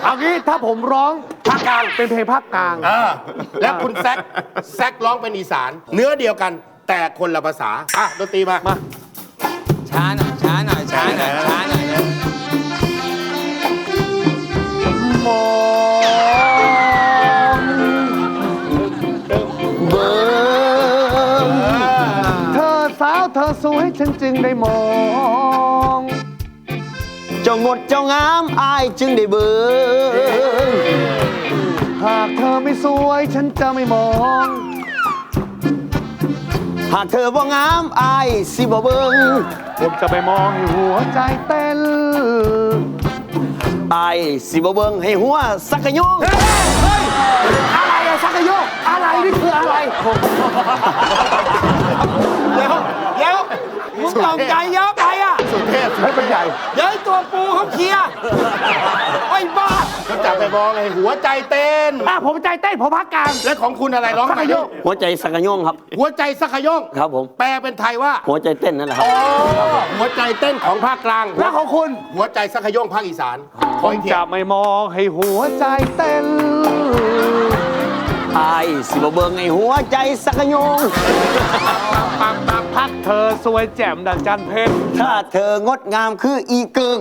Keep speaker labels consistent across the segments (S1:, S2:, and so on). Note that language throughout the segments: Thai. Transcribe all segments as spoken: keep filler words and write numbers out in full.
S1: เอางี้ถ้าผมร้องภาคกลางเป็นเพลงภาคกลาง
S2: เออแล้วคุณแซกแซกร้องเป็นอีสาน เนื้อเดียวกันแต่คนละภาษาอ่ะดนตรีมามา
S3: ช้าหน่อยช้าหน่อยช้าหน่อยช้าหน่อย
S1: มองเบิ่งเธอสาวเธอสวยฉันจึงได้มอง
S4: เจ้างดเจ้างามอายจึงได้เบิ่ง
S1: หากเธอไม่สวยฉันจะไม่มอง
S4: หากเธอบ่งามอายสิบ่เบิ่ง
S1: ผมจะไปมองให้หัวใจเต้น
S4: อายสิบ่เบิ่งให้หัวสักกะยง
S1: อะไรอะสักกะโยกอะไรนี่คืออะไร
S3: เดี๋ยวเดี๋ยวมึงตกใจเยอะไปอ่ะ
S2: สุเทพ
S1: ให้มันใหญ่
S3: เดี๋ยวไอ้ตัวปูเขาเคลียร์ไอ้บ้า
S2: ก็จับไปมองเลยหัวใจเต้น
S1: อ่ะผมใจเต้นผมภาคกลาง
S2: และของคุณอะไรร้อง
S1: สัก
S2: ไหน
S1: กะโยก
S4: หัวใจสักกะยงครับ
S2: หัวใจสักขยง
S4: ครับผม
S2: แปลเป็นไทยว่า
S4: หัวใจเต้นนั่นแหละครับ
S2: อ๋อหัวใจเต้นของภาคกลาง
S1: แล้วของคุณ
S2: หัวใจสักขยงภาคอีสานข
S1: ผ
S2: อ
S1: ม
S2: อีกที
S1: จะไม่มองให้หัวใจเต้น
S4: อายสิบ่เบิ่งให้หัวใจสักกะยง
S1: ปังปังพักเธอสวยแจ่มดังจันทร์เพชร
S4: ถ้าเธองดงามคืออีเกิง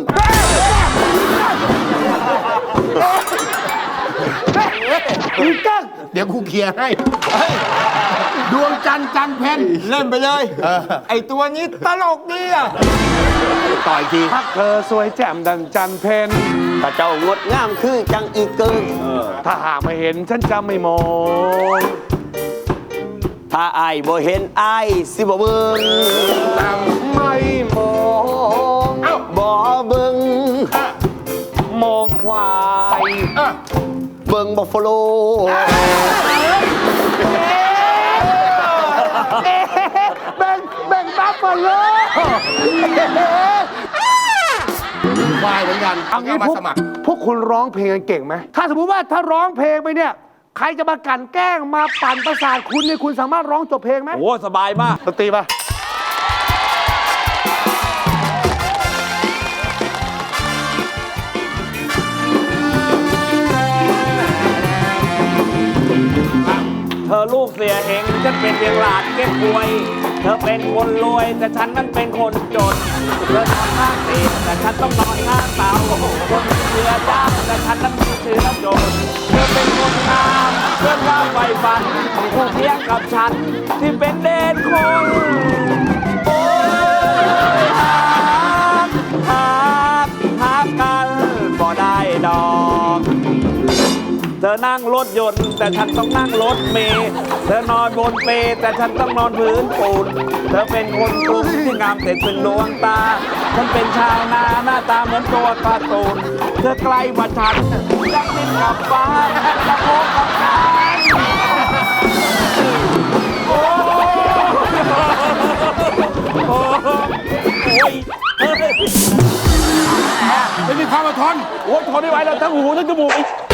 S1: อีกกั้ง
S2: เดี๋ยวครูเคลียร์ให้ดวงจันทร์จันทร์เพน
S3: เล่นไปเลย ไอ้ตัวนี้ตลกดีอ่ะ
S2: ต่ออีกที
S1: พักเธอสวยแจ่มดังจันทร์เพน
S4: ถ้าเจ้างดงามคือจังอีเกิง
S1: ถ้าหากไม่เห็นฉันจะไม่มอง
S4: ถ้าอายบ่เห็นอายสิบ่เบิ่ง
S1: ไม่มอง
S4: บ่เบิ่ง
S1: มองควาย
S4: เบิ่งบัฟฟาโล
S1: แบ่งแบ่งบัฟฟาโล
S2: ควายเหมือนกัน
S1: เอางี้
S2: มา
S1: พวก
S2: สมัคร
S1: พวกคุณร้องเพลงกันเก่งไหมถ้าสมมติว่าถ้าร้องเพลงไปเนี่ย ใครจะมากลั่นแกล้งมาปั่นประสาทคุณเนี่ยคุณสามารถร้องจบเพลงไหม
S3: โอ้สบายมาก
S1: ดนตรีป่ะ
S5: เธอลูกเสียเองฉันเป็นเพียงหลานเก็บป่วย เธอเป็นคนรวยแต่ฉันนั้นเป็นคนจน เธอนอนข้างเตียงแต่ฉันต้องนอนข้างเตาคนเชื่อจ้างแต่ฉันนั้นมีเชื้อโจรเธอเป็นคนงามเพื่อนว่าไฟฝันคู่เทียงกับฉันที่เป็นเด่นคนโอ้ยหากหากหากกันบ่ได้ดอก เธอนั่งรถยนต์แต่ฉันต้องนั่งรถเมล์เธอนอนบนเปลแต่ฉันต้องนอนพื้นปูนเธอเป็นคนกรุงที่งามเด่นเป็นดวงตา ฉันเป็นชาวนาหน้าตาเหมือนตัวการ์ตูนเธอไกลกว่าฉันรักนิดกับฟ้ารักโลกกับฉันโอ้โอ้ยเฮ้ย
S2: ไม่มีความอดทน
S5: โอ้ยทนไม่ไหวแล้วทั้งหูทั้งจมูก